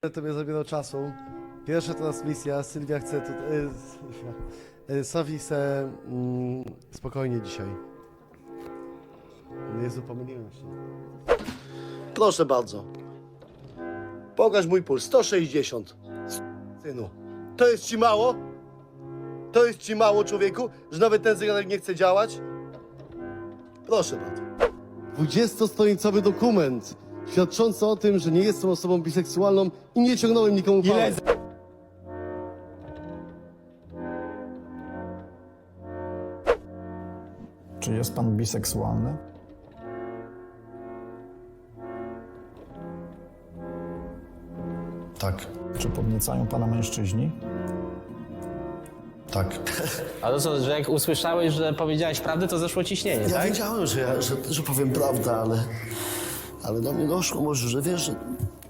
Tobie zabierał czasu. Pierwsza transmisja, Sylwia chce Sofi chce spokojnie dzisiaj. Jezu, pomyliłem się. Proszę bardzo. Pokaż mój puls. 160. Synu. To jest ci mało? To jest ci mało, człowieku? Że nawet ten zegarek nie chce działać? Proszę bardzo. 20-stronicowy dokument świadczący o tym, że nie jestem osobą biseksualną i nie ciągnąłem nikomu pałek. Czy jest pan biseksualny? Tak. Czy podniecają pana mężczyźni? Tak. Ale to co, że jak usłyszałeś, że powiedziałeś prawdę, to zeszło ciśnienie, Ja tak? wiedziałem, że powiem prawdę, ale do mnie doszło może, że wiesz, że